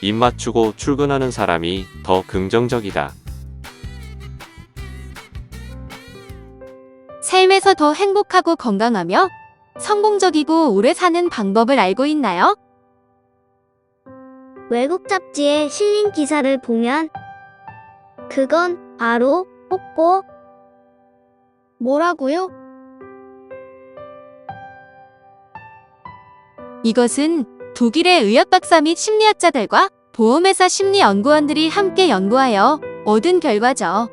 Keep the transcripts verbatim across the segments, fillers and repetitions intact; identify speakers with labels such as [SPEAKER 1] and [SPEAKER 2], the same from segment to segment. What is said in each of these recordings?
[SPEAKER 1] 입 맞추고 출근하는 사람이 더 긍정적이다.
[SPEAKER 2] 삶에서 더 행복하고 건강하며 성공적이고 오래 사는 방법을 알고 있나요?
[SPEAKER 3] 외국 잡지에 실린 기사를 보면 그건 바로 뽀뽀. 뭐라고요?
[SPEAKER 2] 이것은 독일의 의학박사 및 심리학자들과 보험회사 심리연구원들이 함께 연구하여 얻은 결과죠.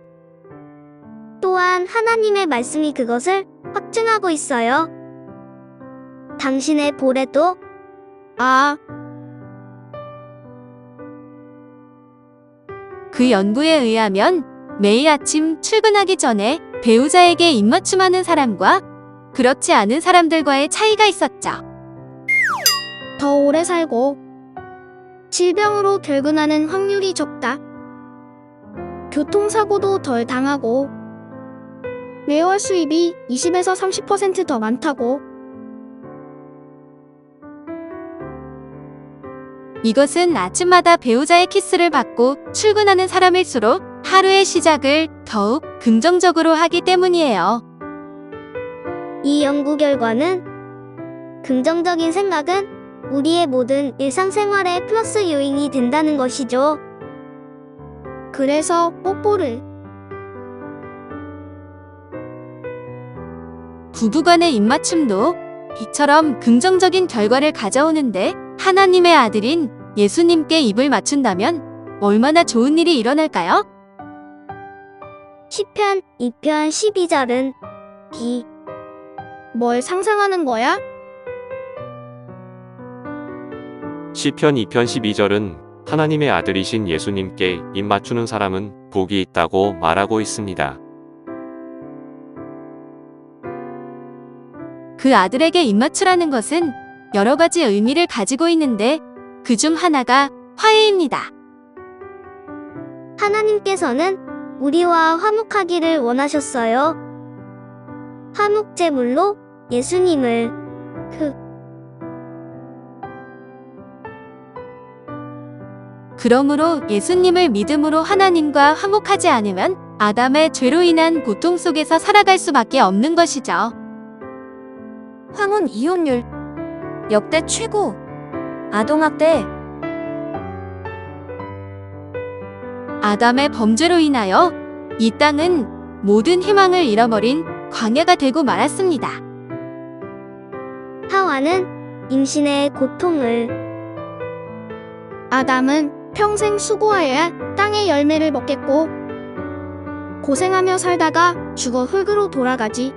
[SPEAKER 3] 또한 하나님의 말씀이 그것을 확증하고 있어요. 당신의 볼에도 아,
[SPEAKER 2] 그 연구에 의하면 매일 아침 출근하기 전에 배우자에게 입맞춤하는 사람과 그렇지 않은 사람들과의 차이가 있었죠.
[SPEAKER 3] 더 오래 살고 질병으로 결근하는 확률이 적다. 교통사고도 덜 당하고 매월 수입이 이십에서 삼십 퍼센트 더 많다고.
[SPEAKER 2] 이것은 아침마다 배우자의 키스를 받고 출근하는 사람일수록 하루의 시작을 더욱 긍정적으로 하기 때문이에요.
[SPEAKER 3] 이 연구 결과는 긍정적인 생각은 우리의 모든 일상생활에 플러스 요인이 된다는 것이죠. 그래서 뽀뽀를
[SPEAKER 2] 부부간의 입맞춤도 이처럼 긍정적인 결과를 가져오는데 하나님의 아들인 예수님께 입을 맞춘다면 얼마나 좋은 일이 일어날까요?
[SPEAKER 3] 시편 이 편 십이 절은 비. 뭘 상상하는 거야?
[SPEAKER 1] 시편 이 편 십이 절은 하나님의 아들이신 예수님께 입 맞추는 사람은 복이 있다고 말하고 있습니다.
[SPEAKER 2] 그 아들에게 입맞추라는 것은 여러 가지 의미를 가지고 있는데 그 중 하나가 화해입니다.
[SPEAKER 3] 하나님께서는 우리와 화목하기를 원하셨어요. 화목 제물로 예수님을 그
[SPEAKER 2] 그러므로 예수님을 믿음으로 하나님과 화목하지 않으면 아담의 죄로 인한 고통 속에서 살아갈 수밖에 없는 것이죠.
[SPEAKER 4] 황혼 이혼율 역대 최고. 아동학대.
[SPEAKER 2] 아담의 범죄로 인하여 이 땅은 모든 희망을 잃어버린 광야가 되고 말았습니다.
[SPEAKER 3] 하와는 임신의 고통을, 아담은 평생 수고하여야 땅의 열매를 먹겠고 고생하며 살다가 죽어 흙으로 돌아가지.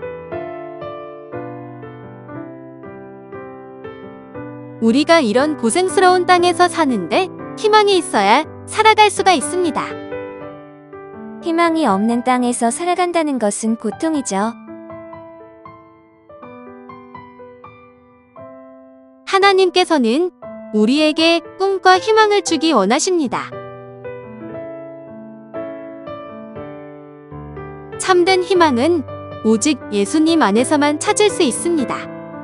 [SPEAKER 2] 우리가 이런 고생스러운 땅에서 사는데 희망이 있어야 살아갈 수가 있습니다.
[SPEAKER 4] 희망이 없는 땅에서 살아간다는 것은 고통이죠.
[SPEAKER 2] 하나님께서는 우리에게 꿈과 희망을 주기 원하십니다. 참된 희망은 오직 예수님 안에서만 찾을 수 있습니다.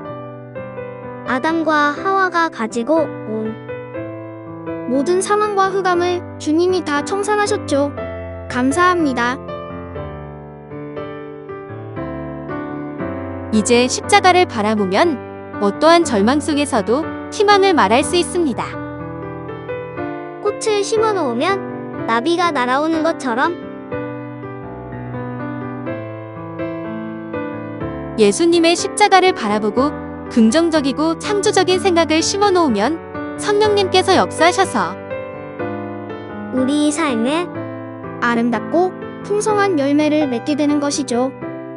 [SPEAKER 3] 아담과 하와가 가지고 온 모든 사망과 흑암을 주님이 다 청산하셨죠. 감사합니다.
[SPEAKER 2] 이제 십자가를 바라보면 어떠한 절망 속에서도 희망을 말할 수 있습니다.
[SPEAKER 3] 꽃을 심어 놓으면 나비가 날아오는 것처럼
[SPEAKER 2] 예수님의 십자가를 바라보고 긍정적이고 창조적인 생각을 심어 놓으면 성령님께서 역사하셔서
[SPEAKER 3] 우리 삶에 아름답고 풍성한 열매를 맺게 되는 것이죠.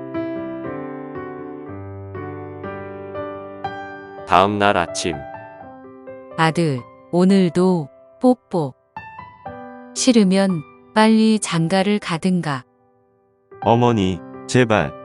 [SPEAKER 1] 다음 날 아침
[SPEAKER 5] 아들, 오늘도 뽀뽀. 싫으면 빨리 장가를 가든가.
[SPEAKER 6] 어머니, 제발.